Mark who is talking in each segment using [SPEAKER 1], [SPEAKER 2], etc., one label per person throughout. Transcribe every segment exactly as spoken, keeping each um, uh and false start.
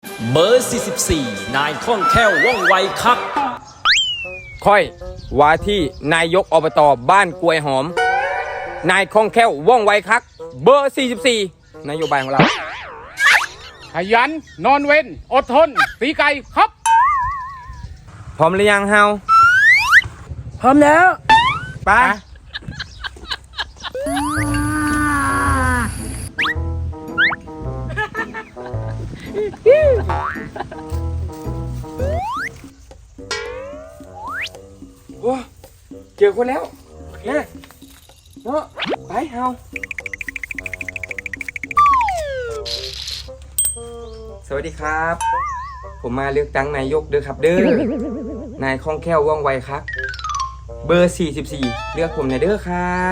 [SPEAKER 1] เบอร์สี่สิบสี่นายคล่องแคล่วว่องไวคัก
[SPEAKER 2] ค่อยว่าที่นายกอบตบ้านกล้วยหอมนายคล่องแคล่วว่องไวคักเบอร์สี่สิบสี่นโยบายของเรา
[SPEAKER 3] ขยันนอนเว้นอดทนสีไก่ครับ
[SPEAKER 2] พร้อมหรือยังเฮา
[SPEAKER 4] พร้อมแล้ว
[SPEAKER 2] ไปโอ้เจอคนแล้วนะเนาะไปเฮาสวัสดีครับ ผมมาเลือกตั้งนายกเด้อครับเด้อนายคล่องแคล่วว่องไวครับเบอร์สี่สิบสี่เลือกผมหน่อยเด้อครับ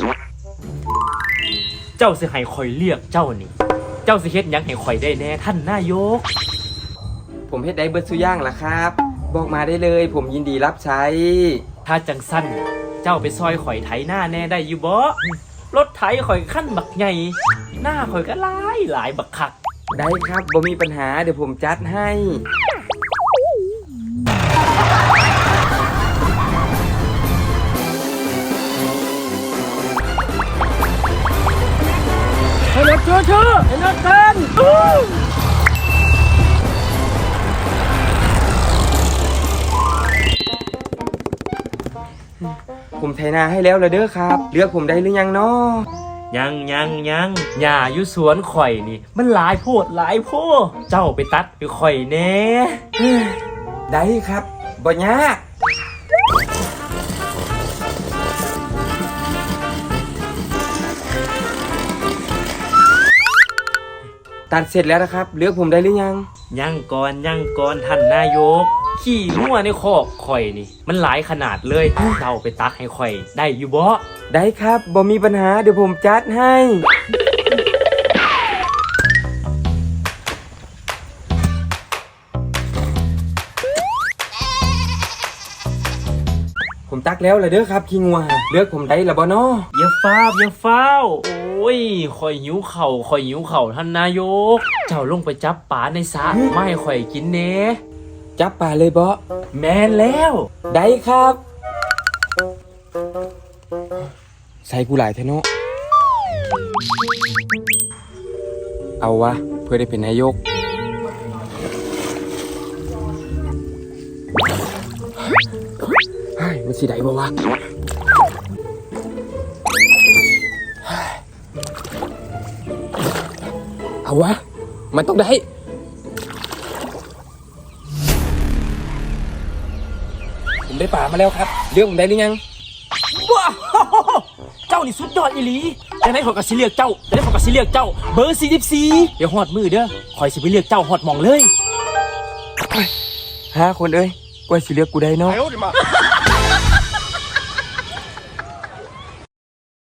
[SPEAKER 5] เจ้าสิให้คอยเรียกเจ้านี่เจ้าสิเฮ็ดหยังให้คอยได้แน่ท่านนายก
[SPEAKER 2] ผมเฮ็ดได้เบิดสุย่างล่ะครับบอกมาได้เลยผมยินดีรับใช้
[SPEAKER 5] ถ้าจังสั้นเจ้าไปซอยข่อยไถหน้าแน่ได้อยู่บ่รถไถข่อยขั้นบักใหญ่หน้าข่อยก็หลายหลายบักคัก
[SPEAKER 2] ได้ครับบ่มีปัญหาเดี๋ยวผมจัดให้
[SPEAKER 4] ให้รถเชื่อเชื่อให้รถเต้น
[SPEAKER 2] ผมไถนาให้แล้วละเด้อครับเลือกผมได้หรือยังเนาะ
[SPEAKER 5] ยังยังยังหญ้าอยู่สวนข่อยนี่มันหลายโพดหลายโพดเจ้าไปตัดไปข่อยแน่
[SPEAKER 2] ได้ครับบ่ยากตัดเสร็จแล้วนะครับเลือกผมได้หรือยัง
[SPEAKER 5] ยังก่อนยังก่อนท่านนายกขี้งัวในคอกข่อยนี่มันหลายขนาดเลยเจ้าไปตักให้ข่อยได้อยู่บ่
[SPEAKER 2] ได้ครับบ่มีปัญหาเดี๋ยวผมจัดให้ผมตักแล้วเลยเด้อครับขี้งัวเลือกผมได้ละบ่น้อ
[SPEAKER 5] อย่าฟ้าวอย่าฟ้าวโอ้ยข่อยหิวเข่าข่อยหิวเข่าท่านนายกเจ้าลงไปจับปลาในสระไม่ให้ข่อยกินเน่
[SPEAKER 2] จับปลาเลยบ่
[SPEAKER 5] แม่นแล้ว
[SPEAKER 2] ได้ครับใส่กูหลายเทเนาะเอาวะเพื่อได้เป็นนายกเฮ้ยมันสิได้บ่วะเอาวะมันต้องได้ผมได้ป่ามาแล้วครับเลือกผมได้หรือยัง
[SPEAKER 5] ว้าวเจ้านี่สุดยอดอีหลีจะได้ขอกระสิเรียกเจ้าจะได้ขอกระสิเรียกเจ้าเบอร์สี่สิบสี่เดี๋ยวหอดมือเด้อคอยสิไปเรียกเจ้าหอดมองเลย
[SPEAKER 2] ห้าคนเอ้ยกว่าสิเลือกกูได้เนาะ